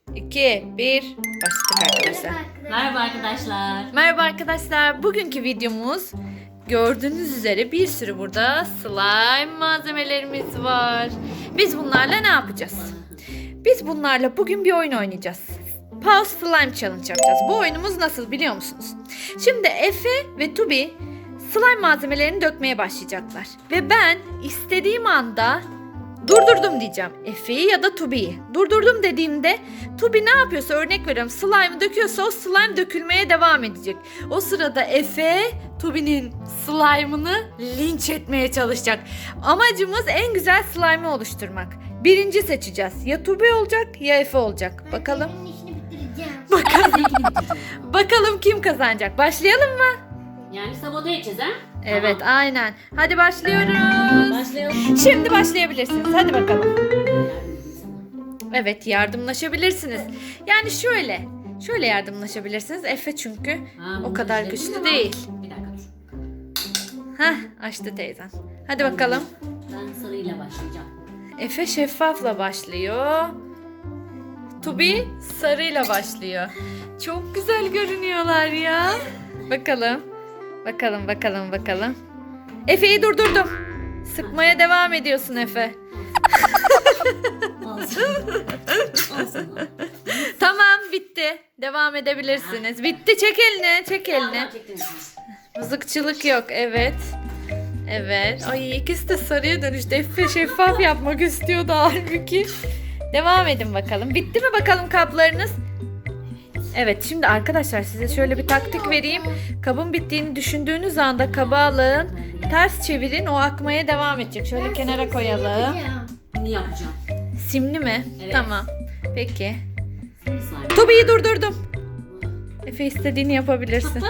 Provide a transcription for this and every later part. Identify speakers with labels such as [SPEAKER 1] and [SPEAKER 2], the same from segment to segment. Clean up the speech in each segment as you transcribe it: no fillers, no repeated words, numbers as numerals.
[SPEAKER 1] 2, 1. Başladık arkadaşlar.
[SPEAKER 2] Merhaba arkadaşlar.
[SPEAKER 1] Merhaba arkadaşlar. Bugünkü videomuz gördüğünüz üzere bir sürü burada slime malzemelerimiz var. Biz bunlarla ne yapacağız? Biz bunlarla bugün bir oyun oynayacağız. Pause Slime Challenge yapacağız. Bu oyunumuz nasıl biliyor musunuz? Şimdi Efe ve Tubi slime malzemelerini dökmeye başlayacaklar. Ve ben istediğim anda durdurdum diyeceğim. Efe'yi ya da Tubi'yi. Durdurdum dediğimde Tubi ne yapıyorsa, örnek veriyorum, slime'ı döküyorsa o slime dökülmeye devam edecek. O sırada Efe Tubi'nin slime'ını linç etmeye çalışacak. Amacımız en güzel slime'ı oluşturmak. Birinci seçeceğiz. Ya Tubi olacak ya Efe olacak. Bakalım. Bakalım kim kazanacak. Başlayalım mı?
[SPEAKER 2] Yani sabote edeceğiz ha?
[SPEAKER 1] Evet,
[SPEAKER 2] Tamam.
[SPEAKER 1] aynen. Hadi başlıyoruz.
[SPEAKER 2] Başlayalım.
[SPEAKER 1] Şimdi başlayabilirsiniz. Hadi bakalım. Evet, yardımlaşabilirsiniz. Yani şöyle yardımlaşabilirsiniz. Efe çünkü o kadar güçlü değil.
[SPEAKER 2] Bir dakika dur.
[SPEAKER 1] Heh, açtı teyzen. Hadi bakalım.
[SPEAKER 2] Ben sarıyla başlayacağım.
[SPEAKER 1] Efe şeffafla başlıyor. Tubi sarıyla başlıyor. Çok güzel görünüyorlar ya. Bakalım. Bakalım. Efe'yi durdurdum. Sıkmaya devam ediyorsun Efe.
[SPEAKER 2] Olsun.
[SPEAKER 1] Tamam, bitti. Devam edebilirsiniz. Bitti, çek elini. Mızıkçılık yok, evet. Evet. Ay, ikisi de sarıya dönüştü. Efe şeffaf yapmak istiyordu halbuki. Devam edin bakalım. Bitti mi bakalım kaplarınız? Evet, şimdi arkadaşlar size şöyle bir taktik vereyim. Kabın bittiğini düşündüğünüz anda kabı alın. Ters çevirin, o akmaya devam edecek. Şöyle kenara koyalım.
[SPEAKER 2] Bunu yapacağım.
[SPEAKER 1] Simli mi?
[SPEAKER 2] Evet.
[SPEAKER 1] Tamam. Peki.
[SPEAKER 2] Slime.
[SPEAKER 1] Tubi'yi durdurdum. Efe, istediğini yapabilirsin.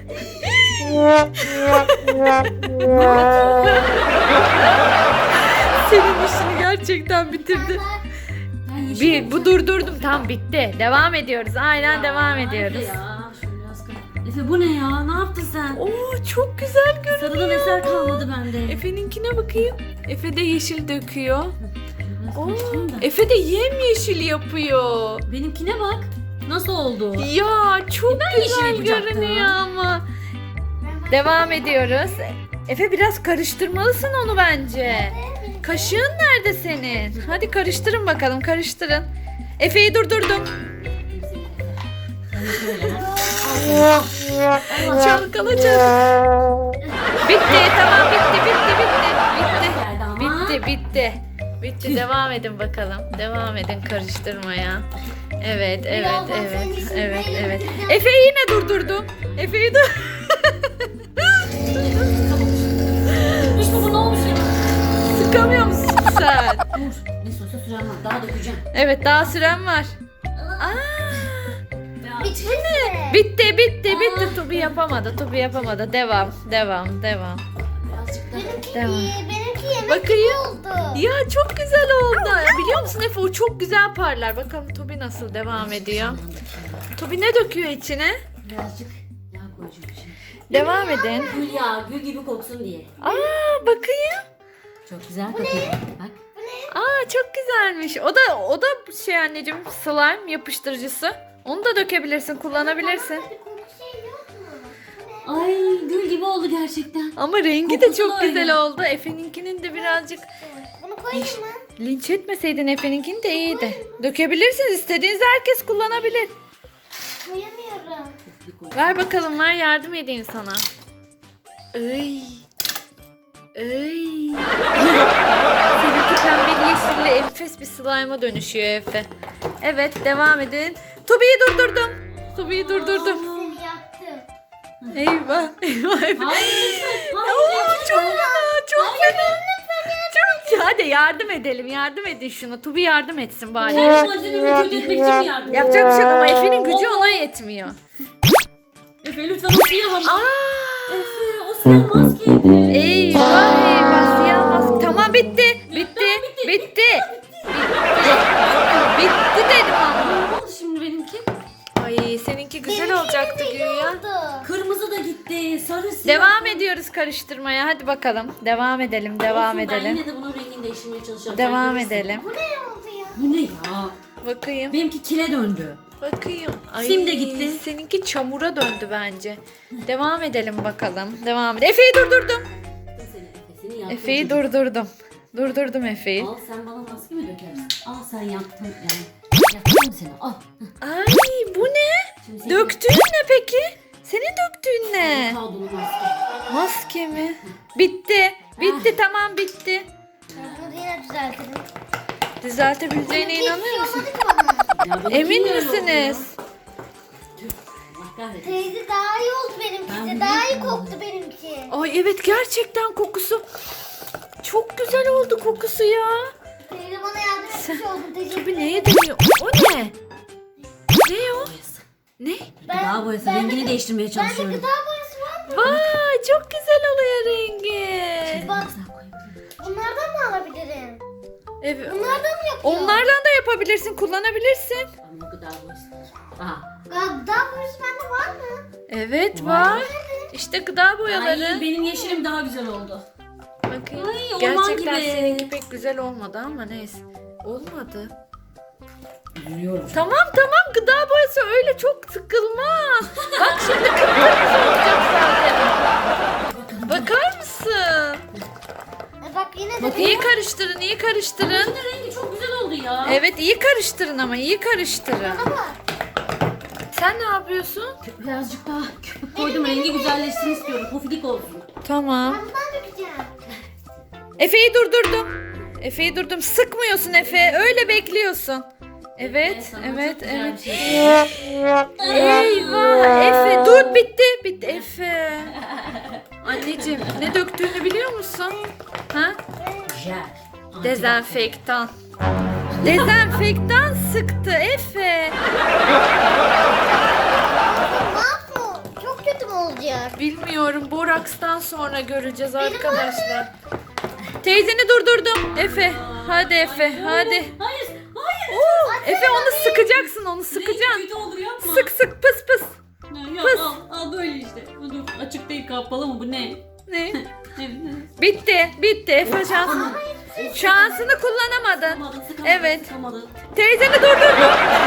[SPEAKER 1] Senin işini gerçekten bitirdi.
[SPEAKER 2] Ben yeşil
[SPEAKER 1] Bu durdurdum. Tam bitti. Devam ediyoruz. Aynen
[SPEAKER 2] Ya,
[SPEAKER 1] devam
[SPEAKER 2] Efe
[SPEAKER 1] ediyoruz.
[SPEAKER 2] ya, şunu biraz kır. Efe bu ne ya? Ne yaptın sen?
[SPEAKER 1] Oo, çok güzel görünüyor.
[SPEAKER 2] Sarıdan eser kalmadı bende.
[SPEAKER 1] Efe'ninkine bakayım. Efe de yeşil döküyor.
[SPEAKER 2] Biraz
[SPEAKER 1] Oo,
[SPEAKER 2] karıştırayım da.
[SPEAKER 1] Efe de yemyeşil yapıyor.
[SPEAKER 2] Benimkine bak. Nasıl oldu?
[SPEAKER 1] Ya çok
[SPEAKER 2] yeşil
[SPEAKER 1] güzel
[SPEAKER 2] yapacaktım.
[SPEAKER 1] görünüyor ama. Devam ediyoruz. Efe, biraz karıştırmalısın onu bence. Kaşığın nerede senin? Hadi karıştırın bakalım, karıştırın. Efe'yi durdurdum. Çalkala. Bitti, tamam, bitti.
[SPEAKER 2] Geldi ama.
[SPEAKER 1] Bitti. Devam edin bakalım. Devam edin karıştırmaya. Evet. Efe'yi yine durdurdum. Efe'yi
[SPEAKER 2] İşte bu ne olmuş ya?
[SPEAKER 1] sıkamıyor musun sen?
[SPEAKER 2] Dur. Ne sosa süren var. Daha dökeceğim.
[SPEAKER 1] Evet, daha süren var. Aa,
[SPEAKER 2] Ya.
[SPEAKER 1] bitti. Tubi yapamadı. Devam.
[SPEAKER 2] Birazcık da.
[SPEAKER 3] Benimki yemek
[SPEAKER 1] Bakayım.
[SPEAKER 3] oldu.
[SPEAKER 1] Ya çok güzel oldu. Biliyor musun Efe, o çok güzel parlar. Bakalım Tubi nasıl devam ediyor. Tubi ne döküyor içine?
[SPEAKER 2] Birazcık yağ koyacağım şimdi.
[SPEAKER 1] Devam edin.
[SPEAKER 2] Gül yağı, gül gibi koksun diye.
[SPEAKER 1] Aa, bakayım.
[SPEAKER 2] Çok güzel kokuyor. Bak.
[SPEAKER 1] Aa, çok güzelmiş. O da anneciğim, slime yapıştırıcısı. Onu da dökebilirsin, kullanabilirsin.
[SPEAKER 2] Ay gül gibi oldu gerçekten.
[SPEAKER 1] Ama rengi de
[SPEAKER 2] Kokusu
[SPEAKER 1] çok
[SPEAKER 2] da
[SPEAKER 1] güzel
[SPEAKER 2] öyle.
[SPEAKER 1] oldu. Efe'ninkinin de birazcık
[SPEAKER 3] Bunu koyayım mı?
[SPEAKER 1] linç etmeseydin, Efe'ninkini de iyiydi. Dökebilirsiniz. İstediğiniz herkes kullanabilir.
[SPEAKER 3] Koyamıyorum.
[SPEAKER 1] Ver bakalım, ver, yardım edeyim sana. Ay. Seninki pembeli yeşille enfes bir slime'a dönüşüyor Efe. Evet, devam edin. Tubi'yi durdurdum.
[SPEAKER 3] Seni yaktım.
[SPEAKER 1] Eyvah.
[SPEAKER 2] Hayır.
[SPEAKER 1] Oo, çok fena. Çok. Hadi yardım edin şuna. Tubi yardım etsin bari.
[SPEAKER 2] Sen malzemeyi kötü etmek için mi yardım?
[SPEAKER 1] Yapacak bir şey yok ama Efe'nin gücü ona yetmiyor.
[SPEAKER 2] Efe lütfen o sıyamam.
[SPEAKER 1] Aa,
[SPEAKER 2] Efe o sıyamaz ki.
[SPEAKER 1] eyvah, siyah maske. Tamam, bitti dedim ama.
[SPEAKER 2] Ne oldu şimdi benimki?
[SPEAKER 1] Ay, seninki güzel olacaktı güya.
[SPEAKER 3] Oldu.
[SPEAKER 2] Kırmızı da gitti. Sarı siyah.
[SPEAKER 1] Devam ediyoruz karıştırmaya. Hadi bakalım. Devam edelim.
[SPEAKER 2] Olsun, ben yine de bunun rengini değiştirmeye çalışacağım.
[SPEAKER 1] Devam
[SPEAKER 2] Sen görürsün.
[SPEAKER 1] edelim.
[SPEAKER 3] Bu ne oldu ya?
[SPEAKER 2] Bu ne ya?
[SPEAKER 1] Bakayım.
[SPEAKER 2] Benimki kile döndü.
[SPEAKER 1] Bakayım. Ay,
[SPEAKER 2] Sim de gitti.
[SPEAKER 1] Seninki çamura döndü bence. Devam edelim bakalım. Devam edelim. Efe'yi durdurdum.
[SPEAKER 2] Seni yaktım.
[SPEAKER 1] Efe'yi
[SPEAKER 2] çocuk.
[SPEAKER 1] durdurdum. Durdurdum Efe'yi.
[SPEAKER 2] Al sen bana maske mi dökersin? Al sen yaktın yani. Yaktım seni. Al.
[SPEAKER 1] Ay bu ne?
[SPEAKER 2] Şimdi seni-
[SPEAKER 1] Döktüğün ne peki? Senin döktüğün ne?
[SPEAKER 2] Kaldığını maske.
[SPEAKER 1] Maske mi? Bitti. Bitti tamam bitti.
[SPEAKER 3] Bunu yine düzeltelim.
[SPEAKER 1] Düzeltebileceğine inanıyor musun?
[SPEAKER 3] Olmadı ki bana.
[SPEAKER 2] Ya benimki
[SPEAKER 1] Emin
[SPEAKER 2] niye öyle oldu
[SPEAKER 1] misiniz?
[SPEAKER 2] ya? Tüh, Allah kahretsin.
[SPEAKER 3] Teyze daha iyi oldu benimkisi.
[SPEAKER 2] Ben
[SPEAKER 3] Daha iyi
[SPEAKER 2] biliyorum.
[SPEAKER 3] koktu benimki.
[SPEAKER 1] Ay evet gerçekten kokusu. Çok güzel oldu kokusu ya.
[SPEAKER 3] Teyze bana yardım etmiş oldun. Teşekkür
[SPEAKER 1] Tabii
[SPEAKER 3] ederim.
[SPEAKER 1] neye deniyor? O ne? Ne o? Ne?
[SPEAKER 2] Gıda boyası
[SPEAKER 3] ben
[SPEAKER 2] rengini
[SPEAKER 3] de-
[SPEAKER 2] değiştirmeye
[SPEAKER 3] Bende
[SPEAKER 2] çalışıyorum.
[SPEAKER 3] gıda boyası var mı?
[SPEAKER 1] Vay çok güzel oluyor rengi.
[SPEAKER 3] Bak
[SPEAKER 2] Güzel koyayım.
[SPEAKER 3] bunlardan mı alabilirim?
[SPEAKER 1] Evet.
[SPEAKER 3] Bunlardan mı yapıyor?
[SPEAKER 1] Onlardan da yapabilirsin, kullanabilirsin.
[SPEAKER 2] Ama gıda boyası. Aha.
[SPEAKER 3] Gıda boyası bende var mı?
[SPEAKER 1] Evet
[SPEAKER 2] Var.
[SPEAKER 1] var. İşte gıda boyaları.
[SPEAKER 2] Ay benim yeşilim daha güzel oldu.
[SPEAKER 1] Bakayım.
[SPEAKER 2] Ay, orman
[SPEAKER 1] Gerçekten
[SPEAKER 2] gibi.
[SPEAKER 1] seninki pek güzel olmadı ama neyse. Olmadı.
[SPEAKER 2] Üzülüyorum.
[SPEAKER 1] Tamam tamam gıda boyası öyle çok sıkılmaz. Bak şimdi kıpkırmızı olacak zaten. Bakar mısın?
[SPEAKER 3] Bak yine de
[SPEAKER 2] Bakayım.
[SPEAKER 1] İyi karıştırın, iyi karıştırın.
[SPEAKER 2] Bunun rengi çok güzel oldu ya.
[SPEAKER 1] Evet iyi karıştırın ama iyi karıştırın.
[SPEAKER 3] bana bak.
[SPEAKER 1] Sen ne yapıyorsun?
[SPEAKER 2] Birazcık daha köpük koydum rengi güzelleşsin istiyorum. Pofidik olsun.
[SPEAKER 1] Tamam.
[SPEAKER 3] Ben bundan dökeceğim.
[SPEAKER 1] Efe'yi durdurdum. Efe'yi durdum. Sıkmıyorsun Efe. Öyle bekliyorsun. Evet,
[SPEAKER 2] Sana
[SPEAKER 1] evet,
[SPEAKER 2] çok güzel
[SPEAKER 1] evet.
[SPEAKER 2] bir şey.
[SPEAKER 1] Eyvah Efe dur bitti. Bitti Efe. Anneciğim ne döktüğünü biliyor musun? Ha?
[SPEAKER 2] Güzel.
[SPEAKER 1] Dezenfektan. Dezenfektan sıktı Efe.
[SPEAKER 3] Mahmut çok kötü mü olacak?
[SPEAKER 1] Bilmiyorum. Boraks'tan sonra göreceğiz arkadaşlar. Teyzeni durdurdum. Efe. Hadi Efe. Hadi.
[SPEAKER 2] Hayır. Hayır.
[SPEAKER 1] Oo, Efe onu sıkacaksın. Onu
[SPEAKER 2] Rengi
[SPEAKER 1] sıkacaksın.
[SPEAKER 2] kötü olur yapma.
[SPEAKER 1] Sık sık pıs pıs.
[SPEAKER 2] Ya,
[SPEAKER 1] Pıs.
[SPEAKER 2] al böyle işte. Dur açık değil kapalı mı bu ne?
[SPEAKER 1] Ne?
[SPEAKER 2] Ne?
[SPEAKER 1] Bitti. Bitti. Efe şansını kullanamadın.
[SPEAKER 2] Sıkamadı,
[SPEAKER 1] Evet.
[SPEAKER 2] Sıkamadı.
[SPEAKER 1] Teyzeni durdurdum.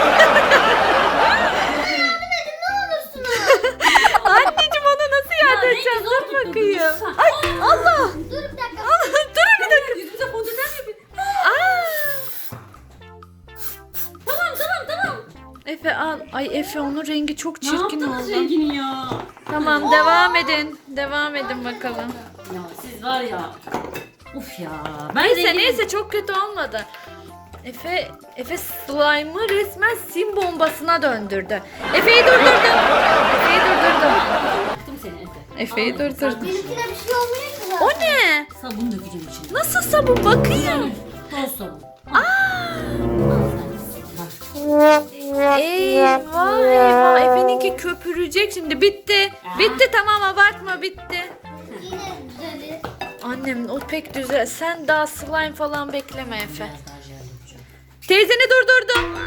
[SPEAKER 3] Ne olursunuz.
[SPEAKER 1] Anneciğim ona nasıl yardım
[SPEAKER 2] rengi
[SPEAKER 1] edeceğim?
[SPEAKER 2] zor
[SPEAKER 1] Dur
[SPEAKER 2] tuttu,
[SPEAKER 1] bakayım.
[SPEAKER 2] lütfen.
[SPEAKER 1] Ay Allah.
[SPEAKER 3] Dur bir dakika.
[SPEAKER 1] Dur bir dakika.
[SPEAKER 2] Yüzümüze fondöten yapayım.
[SPEAKER 1] Aa.
[SPEAKER 2] Tamam.
[SPEAKER 1] Efe al. Ay Efe onun rengi çok
[SPEAKER 2] Ne
[SPEAKER 1] çirkin
[SPEAKER 2] yaptınız
[SPEAKER 1] oldu.
[SPEAKER 2] rengini ya?
[SPEAKER 1] Tamam devam edin. Devam edin bakalım.
[SPEAKER 2] Ya siz var ya. Uf ya. Ben
[SPEAKER 1] Neyse
[SPEAKER 2] rengini-
[SPEAKER 1] neyse çok kötü olmadı. Efe slime'ı resmen sim bombasına döndürdü. Efe'yi durdurdum. Efe'yi durdurdum.
[SPEAKER 2] Yaktım seni Efe.
[SPEAKER 1] Efe'yi
[SPEAKER 2] Al,
[SPEAKER 1] durdurdum.
[SPEAKER 3] Benimkine bir şey olmuyor ki zaten.
[SPEAKER 1] O ne?
[SPEAKER 2] Sabun dökeceğim içine.
[SPEAKER 1] Nasıl sabun bakayım.
[SPEAKER 2] Toz sabun.
[SPEAKER 1] Eyvah eyvah Efe'ninki köpürecek şimdi bitti. Bitti tamam abartma bitti.
[SPEAKER 3] Yine düzelir.
[SPEAKER 1] Annem o pek güzel. Sen daha slime falan bekleme Efe. Teyzeni durdurdum.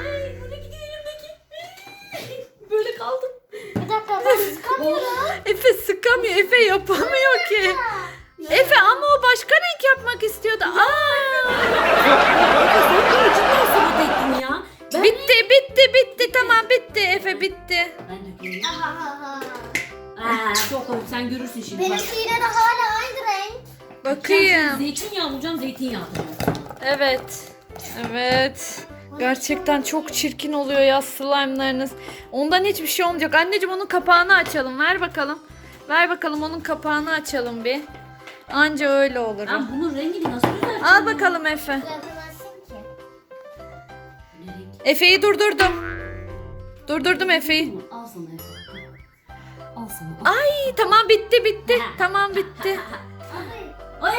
[SPEAKER 2] Böyle kaldım.
[SPEAKER 3] Bir dakika ben sıkamıyorum.
[SPEAKER 1] Efe sıkamıyor. Efe yapamıyor ki. Efe ama o başka renk yapmak istiyordu. Aa!
[SPEAKER 2] Cidden sabun ektim ya. Ben
[SPEAKER 1] Bitti tamam bitti Efe bitti.
[SPEAKER 2] Ben dökeyim.
[SPEAKER 3] Aha.
[SPEAKER 2] Çok komik sen görürsün şimdi. Bak.
[SPEAKER 3] Benimki yine de hala aynı renk.
[SPEAKER 1] Bakayım.
[SPEAKER 2] Zeytinyağı bulacağım zeytinyağı.
[SPEAKER 1] Evet. Evet. Gerçekten çok çirkin oluyor ya slime'larınız. Ondan hiçbir şey olmayacak. Anneciğim onun kapağını açalım. Ver bakalım. Ver bakalım onun kapağını açalım bir. Anca öyle olur. o.
[SPEAKER 2] Ben bunun rengini nasıl düzelteceğim?
[SPEAKER 1] Al bakalım Efe.
[SPEAKER 3] Düzeltemezsin ki.
[SPEAKER 2] Ne renk?
[SPEAKER 1] Efe'yi durdurdum. Durdurdum Efe'yi.
[SPEAKER 2] Al sana Efe. Al sana.
[SPEAKER 1] Ay tamam bitti. Tamam bitti.
[SPEAKER 2] Ay.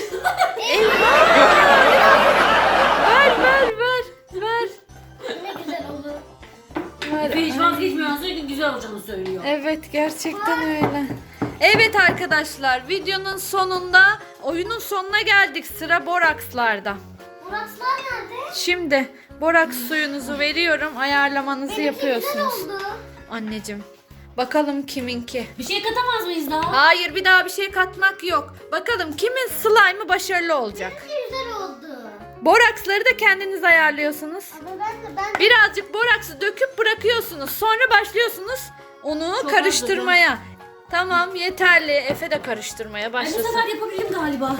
[SPEAKER 1] Ver.
[SPEAKER 3] Ne güzel oldu.
[SPEAKER 1] Ver.
[SPEAKER 2] Efe hiç vazgeçmiyor. Sürekli güzel olacağını söylüyor.
[SPEAKER 1] Evet gerçekten öyle. Evet arkadaşlar videonun sonunda oyunun sonuna geldik. Sıra borakslarda.
[SPEAKER 3] Burakslar nerede?
[SPEAKER 1] Şimdi boraks suyunuzu veriyorum. Ayarlamanızı
[SPEAKER 3] Benimki güzel
[SPEAKER 1] yapıyorsunuz.
[SPEAKER 3] oldu.
[SPEAKER 1] Anneciğim bakalım kiminki.
[SPEAKER 2] Bir şey katamaz mıyız daha?
[SPEAKER 1] Hayır bir daha bir şey katmak yok. Bakalım kimin slime'ı başarılı olacak.
[SPEAKER 3] Benimki güzel oldu.
[SPEAKER 1] Boraksları da kendiniz ayarlıyorsunuz.
[SPEAKER 3] Ama ben
[SPEAKER 1] Birazcık boraksı döküp bırakıyorsunuz. Sonra başlıyorsunuz onu
[SPEAKER 2] Çok
[SPEAKER 1] karıştırmaya. Tamam, yeterli. Efe de karıştırmaya
[SPEAKER 2] Ben bu
[SPEAKER 1] başlasın.
[SPEAKER 2] sefer yapabilirim galiba.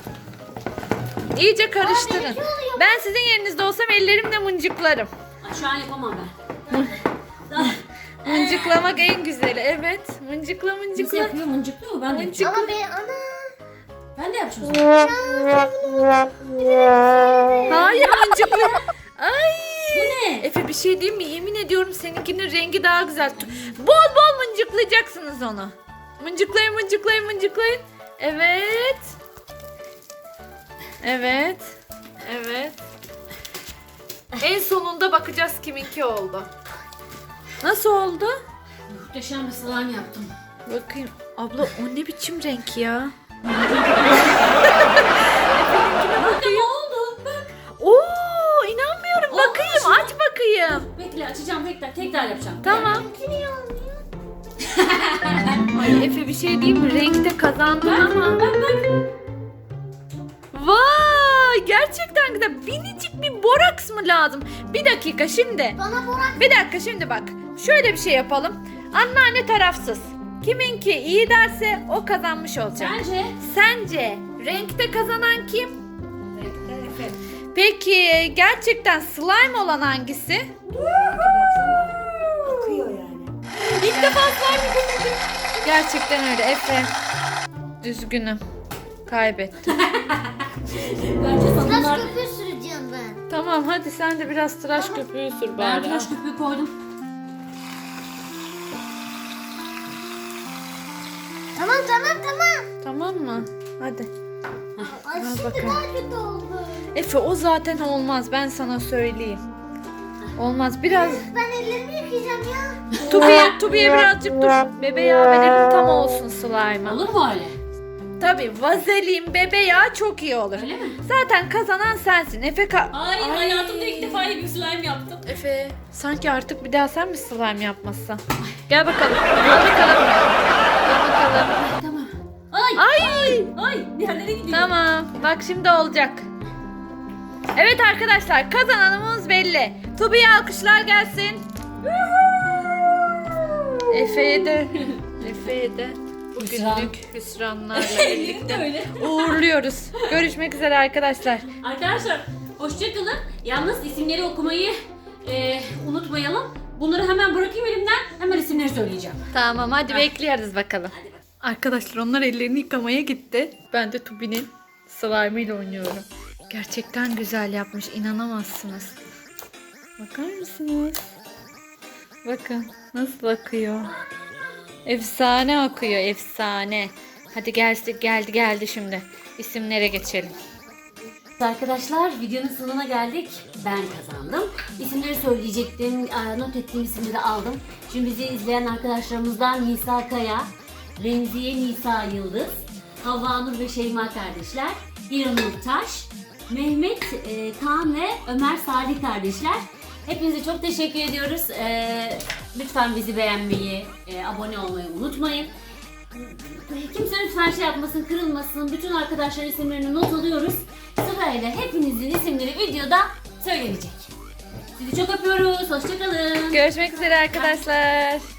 [SPEAKER 1] İyice karıştırın.
[SPEAKER 3] benimki oluyor.
[SPEAKER 1] Ben sizin yerinizde olsam ellerimle mıncıklarım.
[SPEAKER 2] Ay, şu an yapamam ben.
[SPEAKER 1] Mıncıklamak en güzeli. Evet. Mıncıkla
[SPEAKER 2] Nasıl
[SPEAKER 1] mıncıkla.
[SPEAKER 2] yapıyor? Mıncıklıyor mu? Ben de
[SPEAKER 1] Mıncıkla.
[SPEAKER 3] ama ana.
[SPEAKER 2] Ben de yapacağım. o zaman.
[SPEAKER 1] Hayır, mıncıkla. Ay.
[SPEAKER 2] Bu ne?
[SPEAKER 1] Efe, bir şey diyeyim mi? Yemin ediyorum seninkinin rengi daha güzel. Bol bol mıncıklayacaksınız onu. Mıncıklayın, mıncıklayın, mıncıklayın. Evet. Evet. Evet. En sonunda bakacağız kiminki oldu. Nasıl oldu?
[SPEAKER 2] Muhteşem bir slime yaptım.
[SPEAKER 1] Bakayım. Abla, o ne biçim renk ya?
[SPEAKER 2] Bakın ne oldu? Bak.
[SPEAKER 1] Oo, inanmıyorum.
[SPEAKER 2] Olmuş
[SPEAKER 1] Bakayım,
[SPEAKER 2] mu?
[SPEAKER 1] aç bakayım.
[SPEAKER 2] Bekle açacağım tekrar yapacağım.
[SPEAKER 1] Tamam.
[SPEAKER 3] Benimki niye olmuyor?
[SPEAKER 1] Ay Efe, bir şey diyeyim mi? Renkte kazandın ama.
[SPEAKER 2] Bak.
[SPEAKER 1] Vay, gerçekten güzel. Minicik bir boraks mı lazım? Bir dakika şimdi.
[SPEAKER 3] Bana borak.
[SPEAKER 1] Bir dakika şimdi bak. Şöyle bir şey yapalım. Anneanne tarafsız. Kiminki iyi derse o kazanmış olacak.
[SPEAKER 2] Bence.
[SPEAKER 1] Sence renkte kazanan kim?
[SPEAKER 2] Efe.
[SPEAKER 1] Peki gerçekten slime olan hangisi?
[SPEAKER 2] Akıyor yani.
[SPEAKER 1] İlk defa slime gördüm. Gerçekten öyle Efe. Üzgünüm. Kaybettim.
[SPEAKER 2] Bence
[SPEAKER 3] Tıraş
[SPEAKER 2] sabunlar.
[SPEAKER 3] köpüğü süreceğim ben.
[SPEAKER 1] Tamam, hadi sen de biraz tıraş köpüğü sür
[SPEAKER 2] Ben
[SPEAKER 1] bari.
[SPEAKER 2] tıraş köpüğü koydum.
[SPEAKER 3] Tamam.
[SPEAKER 1] Tamam mı? Hadi.
[SPEAKER 3] Ay
[SPEAKER 1] Al
[SPEAKER 3] şimdi
[SPEAKER 1] bakalım.
[SPEAKER 3] daha kötü oldu.
[SPEAKER 1] Efe, o zaten olmaz, ben sana söyleyeyim. Olmaz, biraz
[SPEAKER 3] Ben ellerimi yıkayacağım ya.
[SPEAKER 1] Tubi'ye birazcık dur. Bebe yağı verelim, tam olsun slime'a.
[SPEAKER 2] Olur mu öyle?
[SPEAKER 1] Tabii vazelin, bebe yağı çok iyi olur.
[SPEAKER 2] Öyle mi?
[SPEAKER 1] Zaten kazanan sensin.
[SPEAKER 2] Ay, hayatımda ilk defa iyi bir slime yaptım.
[SPEAKER 1] Efe, sanki artık bir daha sen mi slime yapmazsan? Gel bakalım. Al bakalım. Al bakalım.
[SPEAKER 2] Tamam. Ay.
[SPEAKER 1] Ay.
[SPEAKER 2] Diğerlere gidiyor.
[SPEAKER 1] Tamam. Bak şimdi olacak. Evet arkadaşlar, kazananımız belli. Tubi'ye alkışlar gelsin. Efe'ye de bugünlük hüsranlarla birlikte
[SPEAKER 2] Öyle.
[SPEAKER 1] uğurluyoruz. Görüşmek üzere arkadaşlar.
[SPEAKER 2] Arkadaşlar hoşçakalın. Yalnız isimleri okumayı unutmayalım. Bunları hemen bırakayım elimden. Hemen isimleri söyleyeceğim.
[SPEAKER 1] Tamam, hadi bekliyoruz bakalım. Arkadaşlar, onlar ellerini yıkamaya gitti. Ben de Tubi'nin slime ile oynuyorum. Gerçekten güzel yapmış, inanamazsınız. Bakar mısınız? Bakın nasıl akıyor. Efsane akıyor, efsane. Hadi geldi şimdi. İsimlere geçelim.
[SPEAKER 2] Arkadaşlar videonun sonuna geldik. Ben kazandım. İsimleri söyleyecektim. Not ettiğim isimleri aldım. Şimdi bizi izleyen arkadaşlarımızdan Nisa Kaya, Remziye Nisa Yıldız, Havva Nur ve Şeyma kardeşler, İranur Taş, Mehmet Kaan ve Ömer Salih kardeşler. Hepinize çok teşekkür ediyoruz. Lütfen bizi beğenmeyi, abone olmayı unutmayın. Kimse lütfen şey yapmasın, kırılmasın. Bütün arkadaşların isimlerini not alıyoruz. Sırayla hepinizin isimleri videoda söylenecek. Sizi çok öpüyoruz. Hoşçakalın.
[SPEAKER 1] Görüşmek üzere arkadaşlar.